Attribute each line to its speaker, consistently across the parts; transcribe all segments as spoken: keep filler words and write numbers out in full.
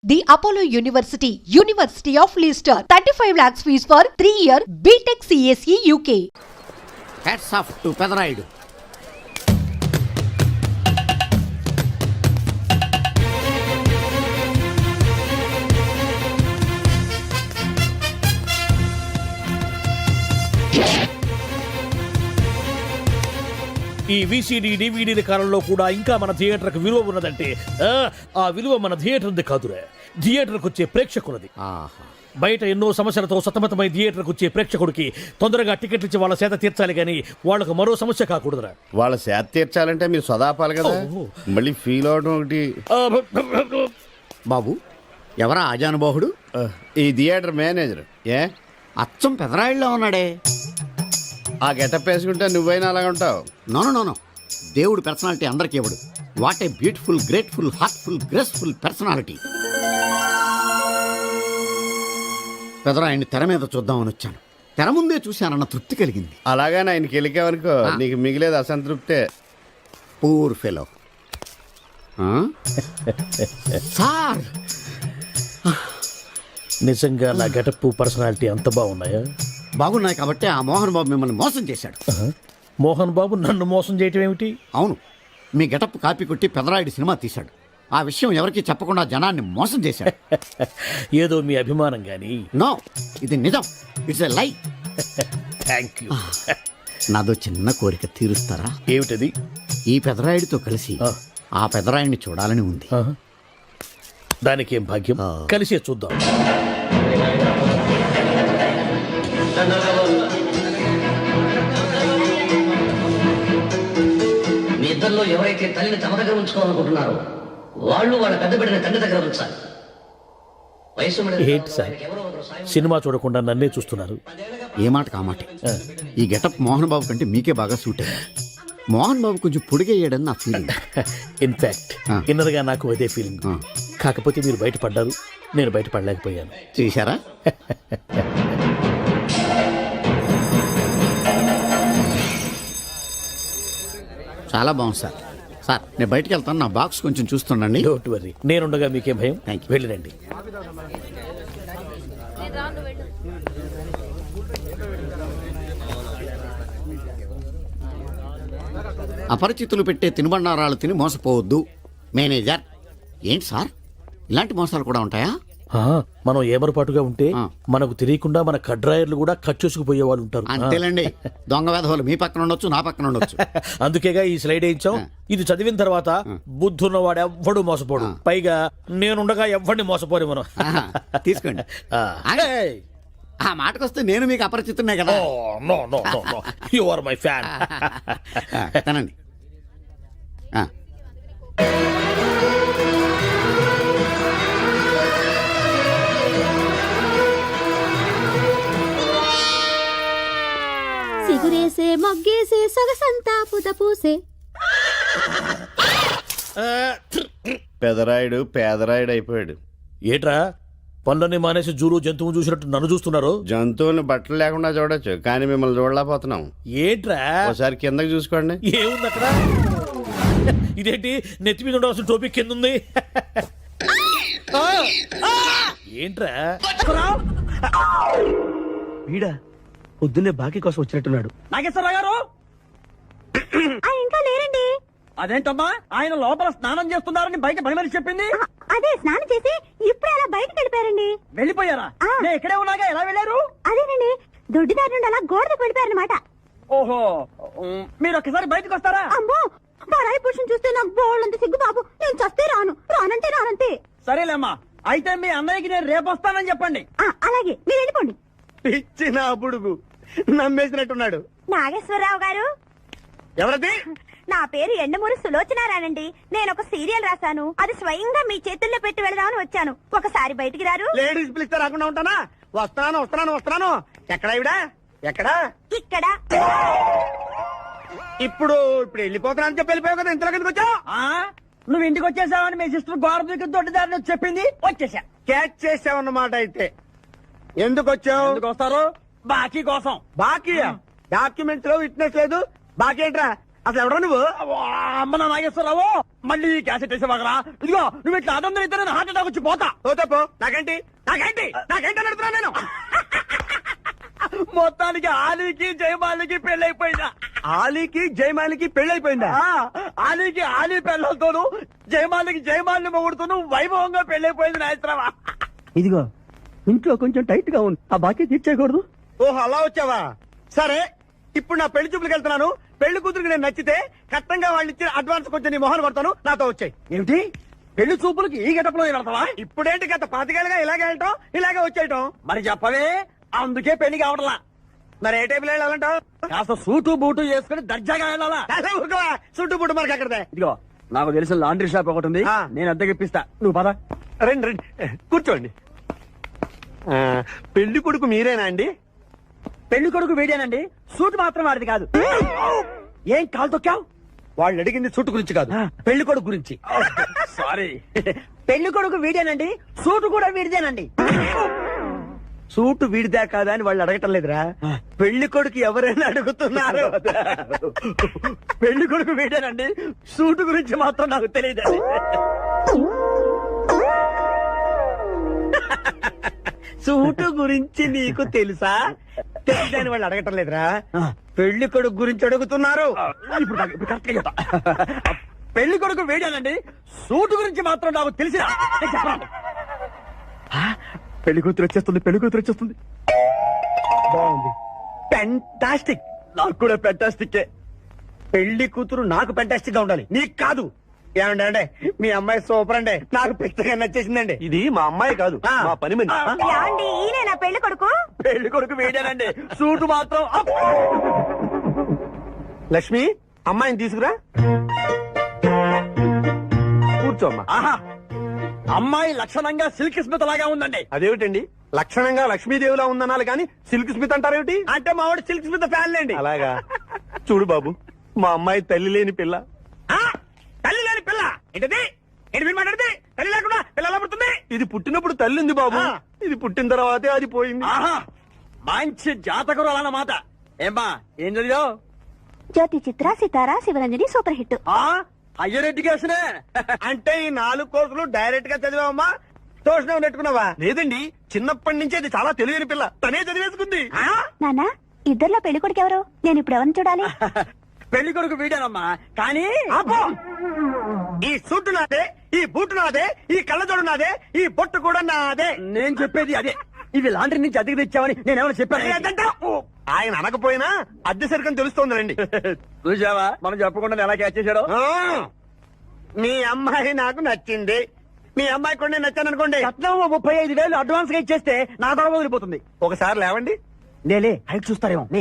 Speaker 1: The Apollo University, University of Leicester, thirty-five lakhs fees for three year B Tech C S E U K.
Speaker 2: Hats off to Pedaraidu.
Speaker 3: ఈ VCD డివిడీల కాలంలో కూడా ఇంకా మన థియేటర్కు విలువ ఉన్నదంటే ఆ విలువ మన థియేటర్ది కాదురా, థియేటర్కు వచ్చే ప్రేక్షకులది. బయట ఎన్నో సమస్యలతో సతమతమై థియేటర్కు వచ్చే ప్రేక్షకుడికి తొందరగా టికెట్లు ఇచ్చి వాళ్ళ సేత తీర్చాలి కానీ వాళ్ళకు మరో సమస్య కాకూడదురా.
Speaker 4: వాళ్ళ సేత తీర్చాలంటే మీరు సదాపాలి కదా, మళ్ళీ ఫీల్ అవడం ఒకటి.
Speaker 2: బాబు ఎవరా ఆజానుబాహుడు?
Speaker 4: ఈ థియేటర్ మేనేజర్. ఏ
Speaker 2: అచ్చం పెదరాయిల్లో ఉన్నాడే.
Speaker 4: ఆ గెటప్ వేసుకుంటే నువ్వైనా అలాగ ఉంటావు.
Speaker 2: నో నో నో దేవుడు పర్సనాలిటీ అందరికి ఇవ్వడు. What a beautiful, grateful, heartful, graceful personality. పెదరాయిని తెర మీద చూద్దామని వచ్చాను. తెర ముందే చూశానన్న తృప్తి కలిగింది.
Speaker 4: అలాగని ఆయనకి వెళ్ళికావనుకో నీకు మిగిలేదు అసంతృప్తే.
Speaker 2: Poor fellow. సార్
Speaker 3: నిజంగా నా గెటప్ పర్సనాలిటీ అంత బాగున్నాయా?
Speaker 2: బాగున్నాయి కాబట్టి ఆ మోహన్ బాబు మిమ్మల్ని మోసం చేశాడు.
Speaker 3: మోహన్ బాబు నన్ను మోసం చేయటం ఏమిటి?
Speaker 2: అవును, మీ గెటప్ కాపీ కొట్టి పెదరాయుడు సినిమా తీశాడు. ఆ విషయం ఎవరికి చెప్పకుండా జనాన్ని మోసం చేశాడు.
Speaker 3: ఏదో మీ అభిమానం గాని.
Speaker 2: నో, ఇది నిజం. It's a lie.
Speaker 3: Thank you.
Speaker 2: నాదో చిన్న కోరిక తీరుస్తారా?
Speaker 3: ఏమిటది?
Speaker 2: ఈ పెదరాయుడితో కలిసి ఆ పెదరాయుడిని చూడాలని ఉంది.
Speaker 3: దానికేం భాగ్యం, కలిసే చూద్దాం.
Speaker 5: మీ ఇద్దరిలో ఎవరైతే తల్లిని తమ దగ్గర ఉంచుకోవాలనుకుంటున్నారో వాళ్ళు వాళ్ళ పెద్ద బిడ్డని తండ్రి దగ్గర ఉంచాలి. వయసు
Speaker 3: ఏంటి సార్ సినిమా చూడకుండా నన్నే చూస్తున్నారు?
Speaker 2: ఏ మాట కామాటే. ఈ గెటప్ మోహన్ బాబు కంటే మీకే బాగా సూట్ అయ్యింది. మోహన్ బాబు కొంచెం పొడిగయ్యాడని నా ఫీలింగ్.
Speaker 3: ఇన్ఫాక్ట్ ఇన్నర్గా నాకు అదే ఫీలింగ్. కాకపోతే మీరు బయటపడ్డారు, నేను బయటపడలేకపోయాను.
Speaker 2: చూశారా? చాలా బాగుంది సార్. సార్ నేను బయటికి వెళ్తాను, నా బాక్స్ కొంచెం చూస్తుండండి.
Speaker 3: డోంట్ వరీ, నేనుండగా మీకేం భయం.
Speaker 2: Thank you.
Speaker 3: వెళ్ళిరండి.
Speaker 2: అపరిచితులు పెట్టే తినుబండారాలు తిని మోసపోవద్దు. మేనేజర్. ఏంటి సార్ ఇలాంటి మోసాలు కూడా ఉంటాయా?
Speaker 3: మనం ఏమరపాటుగా ఉంటే మనకు తెలియకుండా మన కడ్రాయర్లు కూడా కట్ చేసుకుపోయే వాళ్ళు ఉంటారు.
Speaker 2: అంతేలేండి, దొంగ వేధవాళ్ళు మీ పక్కన ఉండొచ్చు, నా పక్కన ఉండొచ్చు.
Speaker 3: అందుకేగా ఈ స్లైడ్ వేయించాం. ఇది చదివిన తర్వాత బుద్ధున్నవాడు ఎవ్వడు మోసపోడు. పైగా నేనుండగా ఎవ్వడిని మోసపోరు మనం.
Speaker 2: తీసుకోండి. ఆ మాటకొస్తే నేను మీకు అపరిచితున్నే కదా.
Speaker 3: No no no, you are my fan.
Speaker 2: తనండి.
Speaker 6: సిగురేసే మొగ్గేసే సొగసంతా పుత పూసే.
Speaker 4: పెదరాయుడు పేదరాయుడు అయిపోయాడు.
Speaker 3: ఏట్రా పనులన్నీ మానేసి జూలు జంతువు చూసినట్టు నన్ను చూస్తున్నారు?
Speaker 4: జంతువుని బట్టలు లేకుండా చూడొచ్చు, కానీ మిమ్మల్ని చూడలేకపోతున్నాం.
Speaker 3: ఏట్రా
Speaker 4: ఒకసారి కిందకి చూసుకోండి.
Speaker 3: ఏముంది అక్కడ? ఇదేంటి నెత్తి మీద ఉండవలసిన టోపిక్ కింద ఉంది? ఏంట్రా
Speaker 7: వీడా పొద్దున్నే బాకీ కోసం వచ్చినట్టున్నాడు. నాగేశ్వరరావు గారు
Speaker 6: ఇంకా లేరండి.
Speaker 7: అదేంటమ్మా, ఆయన లోపల స్నానం చేస్తున్నారని బయట పని మనిషి చెప్పింది.
Speaker 6: అదే స్నానం చేసి ఇప్పుడు అలా బయటకు వెళ్ళిపోయారండి.
Speaker 7: వెళ్ళిపోయారా? నేను ఇక్కడే ఉన్నాగా, ఎలా వెళ్ళారు?
Speaker 6: అదేనండి, దొడ్డిదారి నుండి అలా గోడకు వెళ్ళిపోయారనమాట.
Speaker 7: ఓహో, మీరు ఒక్కసారి బయటకు వస్తారా?
Speaker 6: అమ్మో, పరాయి పురుషుని చూస్తే నాకు బోళ్ళంత సిగ్గు బాబు. నేను చస్తే రాను, రానంటే రానంతే.
Speaker 7: సరేలేమ్మా, అయితే మీ అన్నయ్యకి నేను రేపు వస్తానని చెప్పండి.
Speaker 6: అలాగే, మీరు వెళ్ళిపోండి.
Speaker 7: ఇచ్చిన బుడుగు నమ్మేసినట్టున్నాడు.
Speaker 6: నాగేశ్వరరావు గారు.
Speaker 7: ఎవరది?
Speaker 6: నా పేరు ఎండమూరి సులోచనారానండి. నేను ఒక సీరియల్ రాశాను, అది స్వయంగా మీ చేతుల్లో పెట్టి వెళదామని వచ్చాను. ఒకసారి బయటికి రారు?
Speaker 7: లేడీస్ పిలిస్తే రాకుండా ఉంటానా? వస్తున్నాను వస్తున్నాను వస్తున్నాను. ఎక్కడా ఇవిడా? ఎక్కడా?
Speaker 6: ఇక్కడ.
Speaker 7: ఇప్పుడు ఇప్పుడు వెళ్ళిపోతున్నా అని చెప్పి వెళ్ళిపోయావు కదా, ఇంతలో కిందకి వచ్చావు. నువ్వు ఇంటికి వచ్చేసావని మీ సిస్టర్ గోడ దగ్గర దొడ్డిదారిని చెప్పింది, వచ్చేసా. క్యాచ్ చేసావన్నమాట. అయితే ఎందుకు వచ్చావు? ఎందుకు వస్తారు? బాకీ కోసం. బాకీ? డాక్యుమెంట్స్ లో విట్నెస్ లేదు, బాకీ ఏంట్రా? అసలు ఎవడో నువ్వు అమ్మ నా నాగేశ్వరరావు మళ్ళీ క్యాసెట్ వేసేవాగరా ఇదిగో నువ్వు ఇట్లా అదందరూ ఇద్దరు హార్ట్ అటాక్ వచ్చి పోతా పోతా పో నాకేంటి నాకేంటి నాకేంటి అని అడుగుతున్నా నేను మొత్తానికి ఆలీకి జయమాలికి పెళ్ళైపోయిందా ఆలీకి జయమాలికి పెళ్ళైపోయిందా ఆలీకి ఆలీ పెళ్ళతోను జయమాలికి జయమాలిని మొగుడుతోను వైభవంగా పెళ్ళైపోయింది నాయత్రమా ఇదిగో ఇంట్లో కొంచెం టైట్ గా ఉంది ఆ బాకీ తీర్చేయకూడదు ఓహో అలా వచ్చావా సరే ఇప్పుడు నా పెళ్లి చూపులకు వెళ్తున్నాను పెళ్లి కూతురికి నేను నచ్చితే కట్టంగా వాళ్ళు ఇచ్చిన అడ్వాన్స్ కొంచెం నీ మొహన్ పడతాను నాతో వచ్చాయి ఏమిటి పెళ్లి చూపులకి ఈ గెటప్లో వెళ్తావా ఇప్పుడేంటి గత పాతికేళ్ళగా ఇలాగే వెళ్ళటం ఇలాగే వచ్చేయటం మరి చెప్పవే అందుకే పెళ్లి కావట్లా మరి ఏ టైపులో వెళ్ళాలంటావు కాస్త సూటు బూటు వేసుకుని దర్జాగా వెళ్ళాలా సూటు బూటు మనకి అక్కడదే ఇదిగో నాకు తెలిసిన లాండ్రీ షాప్ ఒకటి ఉంది నేను అద్దెకి ఇప్పిస్తా నువ్వు పద రండి రండి కూర్చోండి పెళ్లి కొడుకు మీరేనా అండి పెళ్లి కొడుకు వీడేనండి సూట్ మాత్రం వాడిది కాదు ఏం కాలు తొక్కావు వాళ్ళు అడిగింది సూట్ గురించి కాదు పెళ్లి కొడుకు గురించి సారీ పెళ్లి కొడుకు వీడేనండి సూట్ కూడా వీడిదేనండి సూటు వీడిదే కాదా అని వాళ్ళు అడగటం లేదురా పెళ్లి కొడుకు ఎవరైనా అడుగుతున్నారు పెళ్లి కొడుకు వీడేనండి సూటు గురించి మాత్రం నాకు తెలియదు సూటు గురించి నీకు తెలుసా తెలియదని వాళ్ళు అడగటం లేదురా పెళ్లి కొడుకు గురించి అడుగుతున్నారు ఇప్పుడు నాకు- ఇప్పుడు కరెక్ట్గా చెప్తా. పెళ్లి కొడుకు వేడానండి సూటు గురించి మాత్రం నాకు తెలిసి పెళ్లి కూతురు వచ్చేస్తుంది పెళ్లి కూతురు వచ్చేస్తుంది బాగుంది పెంటాస్టిక్ నాకు కూడా పెంటాస్టిక్ పెళ్లి కూతురు నాకు పెంటాస్టిక్ గా ఉండాలి నీకు కాదు ఏమండి అంటే మీ అమ్మాయి సూపర్ అండి నాకు పెద్దగా నచ్చేసిందండి ఇది మా అమ్మాయి కాదు మా పని మని
Speaker 6: ఏమండి ఈయన నా పెళ్లి కొడుకు
Speaker 7: పెళ్లి కొడుకు వేడానండి సూటు మాత్రం అప్. లక్ష్మి అమ్మాయిని తీసుకురా కూర్చోమ్మా ఆహా అమ్మాయి లక్షణంగా సిల్క్ స్మిత్ లాగా ఉందండి అదేమిటండి లక్షణంగా లక్ష్మీదేవిలా ఉందనాలి కానీ సిల్క్ స్మిత్ అంటారేమిటి అంటే మా వాడు సిల్క్ స్మిత్ ఫ్యాన్ లేండి అలాగా చూడు బాబు మా అమ్మాయి తల్లి లేని పిల్ల తల్లి లేని పిల్ల ఏంటది ఏంటి మీరు మాట్లాడితే తల్లి లేకుండా పిల్ల ఎలా పుడుతుంది ఇది పుట్టినప్పుడు తల్లి ఉంది బాబు ఇది పుట్టిన తర్వాతే అది పోయింది మంచి జాతకులు అన్నమాట ఏమ్మా ఏం చదివావు
Speaker 6: Jyothi Chitra Sitara Sivaranjani super hit
Speaker 7: higher ఎడ్యుకేషనే అంటే ఈ నాలుగు కోర్సులు డైరెక్ట్ గా చదివావమ్మా ట్యూషన్ నెట్టుకున్నావా లేదండి చిన్నప్పటి నుంచి అది చాలా తెలియని పిల్ల తనే చదివేసుకుంది
Speaker 6: నానా ఇద్దర్లో పెళ్లి కొడుకు ఎవరు నేను ఇప్పుడు ఎవరిని చూడాలి
Speaker 7: పెళ్లి కొడుకు వీడానమ్మా కానీ ఈ సూటు నాదే ఈ బూటు నాదే ఈ కళ్ళజోడు నాదే ఈ బొట్టు కూడా నాదే నేను చెప్పేది అదే ఇవి లాండ్రీ నుంచి అద్దెకి తెచ్చావని నేనేమైనా చెప్పాను ఆయన అనకపోయినా అద్దె సరికని తెలుస్తోందండి చూసావా మనం చెప్పకుండా ఎలా క్యాచ్ చేశాడు మీ అమ్మాయి నాకు నచ్చింది మీ అమ్మాయి కూడా నేను నచ్చాను అనుకోండి ముప్పై ఐదు వేలు అడ్వాన్స్ గా ఇచ్చేస్తే నా దొర వదిలిపోతుంది ఒకసారి లేవండి నేలే హైట్ చూస్తారేమో నీ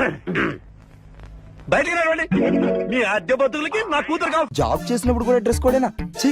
Speaker 7: బయటికి రావండి మీ అద్దె బతుకులకి నా కూతురు కావాలి
Speaker 8: జాబ్ చేసినప్పుడు కూడా డ్రెస్ కోడేనా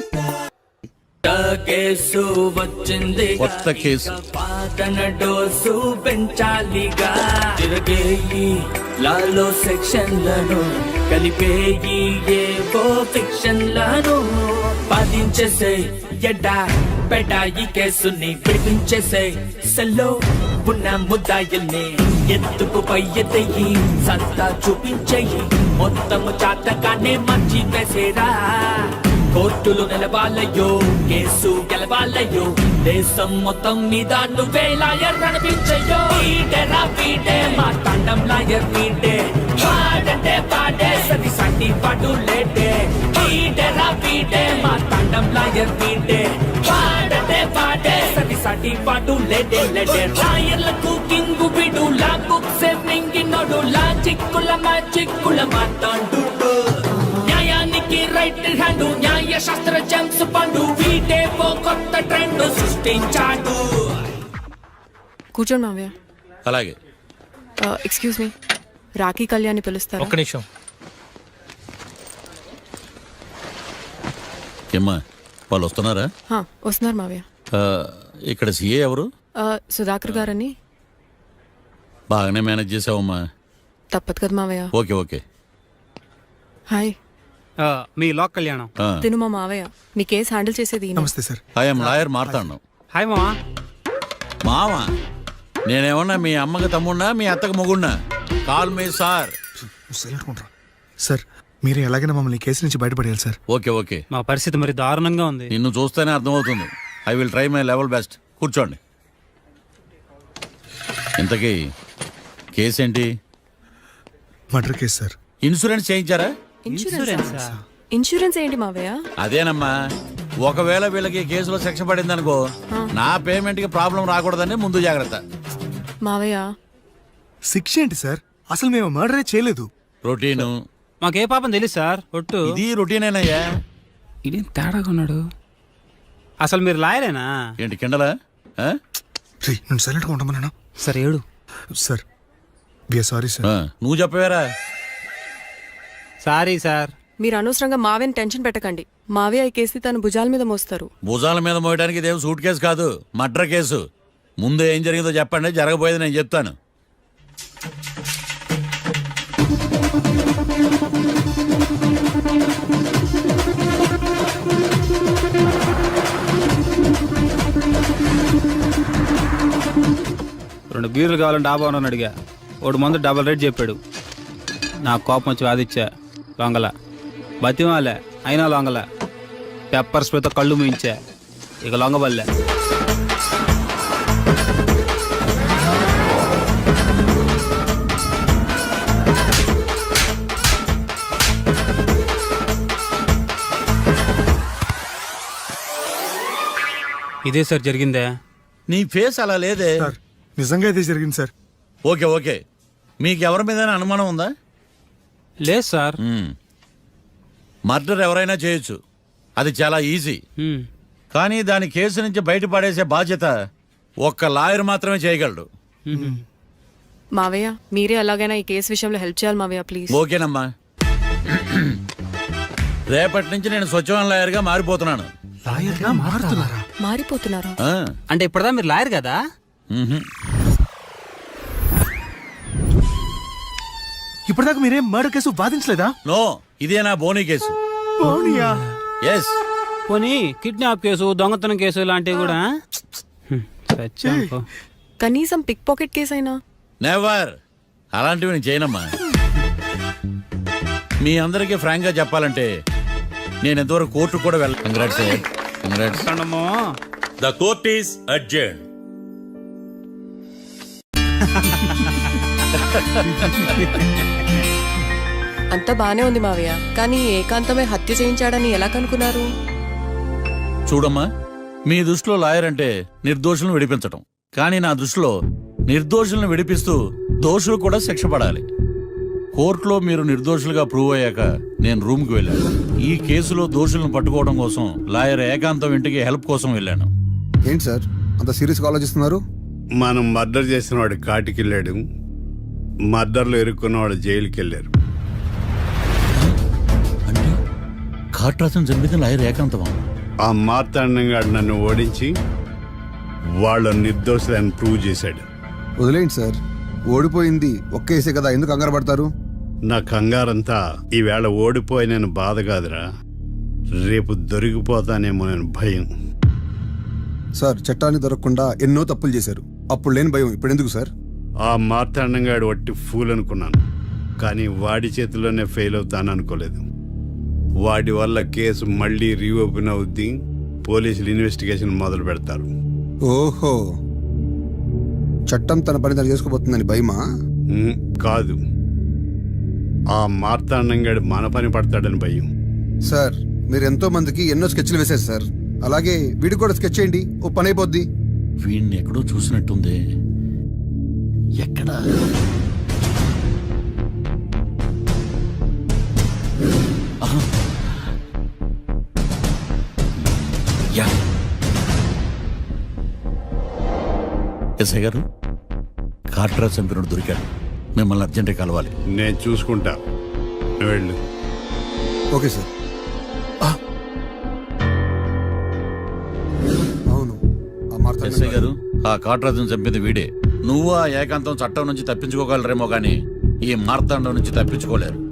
Speaker 9: కేసు వచ్చింది
Speaker 2: కొత్త కేసు
Speaker 9: పాతన డోసు పెంచాలిగా తిరగేయి లాలో సెక్షన్లను కలిపేయి ఏవో ఫిక్షన్లను బాధించేసే ఎడా పెడా ఈ కేసుని విడిపించేసే సెల్లో ఉన్న ముద్దాయిల్ని ఎత్తుకు పై ఎత్తయి సత్తా చూపించేయి మొత్తము చాతకానే మంచి వేసేరా కోర్టులు నిలవాలయ్యో కేసు గెలవాలయ్యో దేశం మొత్తం మీద నువ్వే లాయర్ నడిపించయ్యో వీడేరా వీడే మా తండం లాయర్ వీడే పాడంటే పాడే సరి సంటి పాటు లేటే వీడేరా వీడే మా తండం లాయర్ వీడే పాడంటే పాడే సరి సంటి పాటు లేటే లేటే లాయర్లకు కింగు విడు లా బుక్స్ మింగినోడు లా చిక్కుల మా చిక్కుల మాట్లాడు న్యాయానికి రైట్ హ్యాండ్ న్యాయ శాస్త్ర జెమ్స్ పండు వీటేవో కొత్త ట్రెండ్ సృష్టించాడు.
Speaker 10: కూర్చోండి మావయ్య.
Speaker 2: అలాగే.
Speaker 10: ఎక్స్క్యూజ్ మీ, రాఖీ కళ్యాణి పిలుస్తారు.
Speaker 3: ఒక్క నిమిషం.
Speaker 2: ఏమ్మా వాళ్ళు వస్తున్నారా?
Speaker 10: హా, వస్తున్నారు మావయ్య.
Speaker 2: ఆ, ఇక్కడ సీఏ ఎవరు?
Speaker 10: ఆ, సుధాకర్ గారని.
Speaker 2: బాగానే మేనేజ్ చేసావమ్మా.
Speaker 10: తప్పదు కదా మావయ్య.
Speaker 2: Okay okay.
Speaker 10: హాయ్.
Speaker 8: మీ లాక్ కళ్యాణం.
Speaker 10: తిను మా మావయ్య. మీ కేసు హ్యాండిల్ చేసేది ఈయన.
Speaker 8: నమస్తే sir.
Speaker 2: I'm lawyer Marthandam.
Speaker 8: Hi మావా.
Speaker 2: మావా నేనేమన్నా మీ అమ్మకి తమ్ముడినా మీ అత్తకు మొగుడినా? Call me sir.
Speaker 8: సార్ మీరు ఎలాగైనా మమ్మల్ని ఈ కేసు నుంచి బయటపడేయాలి సార్.
Speaker 11: ఓకే ఓకే,
Speaker 8: మా పరిస్థితి మరి దారుణంగా ఉంది.
Speaker 11: నిన్ను చూస్తేనే అర్థమవుతుంది. I will try my level best. కూర్చోండి. ఇంతకీ కేసు ఏంటి?
Speaker 8: Murder case sir.
Speaker 11: ఇన్సూరెన్స్ చేయించారా?
Speaker 10: ఇన్సూరెన్స్ ఇన్సూరెన్స్ ఏంటి మావయ్య?
Speaker 11: అదేనమ్మా, ఒకవేళ వీళ్ళకి కేసులో శిక్ష పడింది అనుకో, నా పేమెంట్ కి ప్రాబ్లం రాకూడదని ముందు జాగ్రత్త.
Speaker 10: మావయ్య
Speaker 8: శిక్ష ఏంటి సార్? అసలు మేము మర్డరే చేయలేదు.
Speaker 11: రొటీను.
Speaker 8: మాకే పాపం తెలుసు సార్. ఒట్టు
Speaker 11: ఇది రొటీనేనయ్యా.
Speaker 8: ఇదేం తేడాగా ఉన్నాడు. అసలు మీరు లాయరేనా?
Speaker 11: ఏంటి కిండలా? ఆ?
Speaker 8: నేను సైలెంట్గా ఉంటామన్నా సార్. ఏడు సార్. We are sorry sir.
Speaker 11: ఆ, నువ్వు చెప్పవేరా?
Speaker 8: Sorry sir.
Speaker 10: మీరు అనవసరంగా మావయ్యని టెన్షన్ పెట్టకండి. మావయ్య ఈ కేసు తన భుజాల మీద మోస్తారు.
Speaker 11: భుజాల మీద మోయడానికి ఇదేం సూట్ కేసు కాదు, మర్డర్ కేసు. ముందు ఏం జరిగిందో చెప్పండి, జరగబోయేది నేను చెప్తాను.
Speaker 8: రెండు బీర్లు కావాలని డాబా అని అడిగా. ఒకడు మందు డబల్ రేట్ చెప్పాడు. నా కోపం వచ్చి వాదిచ్చా. లొంగల బతిమాలే, అయినా లొంగల. పెప్పర్ స్ప్రేతో కళ్ళు మూయించా. ఇక లొంగబల్లే. ఇదే సార్ జరిగిందే.
Speaker 11: నీ ఫేస్ అలా లేదే.
Speaker 8: సార్ నిజంగా ఇదే జరిగింది సార్.
Speaker 11: ఓకే ఓకే, మీకు ఎవరి మీద అనుమానం ఉందా?
Speaker 8: లేదు సార్.
Speaker 11: మర్డర్ ఎవరైనా చేయొచ్చు, అది చాలా ఈజీ. కానీ దాని కేసు నుంచి బయటపడేసే బాధ్యత ఒక్క లాయర్ మాత్రమే చేయగలడు.
Speaker 10: మావయ్య మీరే ఎలాగైనా ఈ కేసు విషయంలో హెల్ప్ చేయాలి మావయ్య ప్లీజ్.
Speaker 11: ఓకేనమ్మా. రేపటి నుంచి నేను స్వచ్ఛమైన లాయర్గా మారిపోతున్నాను.
Speaker 8: లాయర్గా మారుతున్నారా?
Speaker 10: మారిపోతున్నారా?
Speaker 11: ఆ,
Speaker 8: అంటే ఇప్పటిదా మీరు లాయర్ కదా?
Speaker 11: మ్హూ.
Speaker 8: ఇప్పటిదాకా మీరేం మర్డర్ కేసు వాదించలేదా?
Speaker 11: నో, ఇదే నా బోనీ కేసు. ఎస్.
Speaker 8: పోనీ కిడ్నాప్ కేసు, దొంగతనం కేసు ఇలాంటివి కూడా?
Speaker 10: కనీసం పిక్ పాకెట్ కేసు అయినా?
Speaker 11: నెవర్. అలాంటివి నేను చేయనమ్మా. మీ అందరికీ ఫ్రాంక్ గా చెప్పాలంటే నేను ఎంతవరకు కోర్టు కూడా వెళ్ళ. Congrats congrats.
Speaker 3: The court is adjourn.
Speaker 10: అంతా బానే ఉంది మావయ్య, కానీ ఏకాంతమే హత్య చేయించాడని ఎలా కనుక్కున్నారు?
Speaker 11: చూడమ్మా, మీ దృష్టిలో లాయర్ అంటే నిర్దోషులను విడిపించటం, కానీ నా దృష్టిలో నిర్దోషులను విడిపిస్తూ దోషులు కూడా శిక్ష పడాలి. కోర్టులో మీరు నిర్దోషులుగా ప్రూవ్ అయ్యాక నేను రూమ్కి వెళ్ళాను. ఈ కేసులో దోషులను పట్టుకోవడం కోసం లాయర్ ఏకాంతం ఇంటికి హెల్ప్ కోసం వెళ్ళాను.
Speaker 12: ఏంటి సార్ అంత సీరియస్గా ఆలోచిస్తున్నారు?
Speaker 4: మనం మర్డర్ చేసిన వాడు కాటికి వెళ్ళాడు, మర్డర్లో ఇరుక్కున్న వాడు జైలుకి వెళ్ళారు.
Speaker 11: అంటే కాట్రాసం చంపితే లాయర్ ఏకాంతమా?
Speaker 4: ఆ మార్తాండంగా నన్ను ఓడించి వాళ్ళ నిర్దోషులని ప్రూవ్ చేశాడు.
Speaker 12: వదిలేండి సార్, ఓడిపోయింది ఒక్కేసే కదా, ఎందుకు కంగారు పడతారు?
Speaker 4: నా కంగారంతా ఈవేళ ఓడిపోయి నేను బాధ కాదురా, రేపు దొరికిపోతానేమో నేను భయం.
Speaker 12: సార్ చట్టాన్ని దొరకకుండా ఎన్నో తప్పులు చేశారు, అప్పుడు లేని భయం ఇప్పుడు ఎందుకు సార్?
Speaker 4: ఆ మార్తాండంగాడు వట్టి ఫూల్ అనుకున్నాను, కానీ వాడి చేతిలోనే ఫెయిల్ అవుతాను అనుకోలేదు. వాడి వల్ల కేసు మళ్ళీ రీఓపెన్ అవుద్ది, పోలీసులు ఇన్వెస్టిగేషన్ మొదలు పెడతారు.
Speaker 12: ఓహో, చట్టం తన పని తను చేసుకోబోతుందని భయమా?
Speaker 4: ఉమ్, కాదు, ఆ మార్తాండంగాడు మన పని పడతాడని భయం.
Speaker 12: సార్ మీరు ఎంతో మందికి ఎన్నో స్కెచ్లు వేశారు సార్, అలాగే వీడికి కూడా స్కెచ్ చేయండి, ఓ పని అయిపోద్ది.
Speaker 11: వీడిని ఎక్కడో చూసినట్టుంది. ఎక్కడా? ఎస్ఐ గారు, కాట్రా చంపినోడు దొరికాడు, మిమ్మల్ని అర్జెంట్ కలవాలి.
Speaker 4: నేను చూసుకుంటా, నువ్వు వెళ్ళు.
Speaker 12: Okay sir. అవును, ఆ మార్తాండం
Speaker 11: ఎస్ఐ గారు, ఆ కాట్రాజును చంపింది వీడే. నువ్వు ఆ ఏకాంతం చట్టం నుంచి తప్పించుకోగలరేమో కానీ ఈ మార్తాండం నుంచి తప్పించుకోలేరు.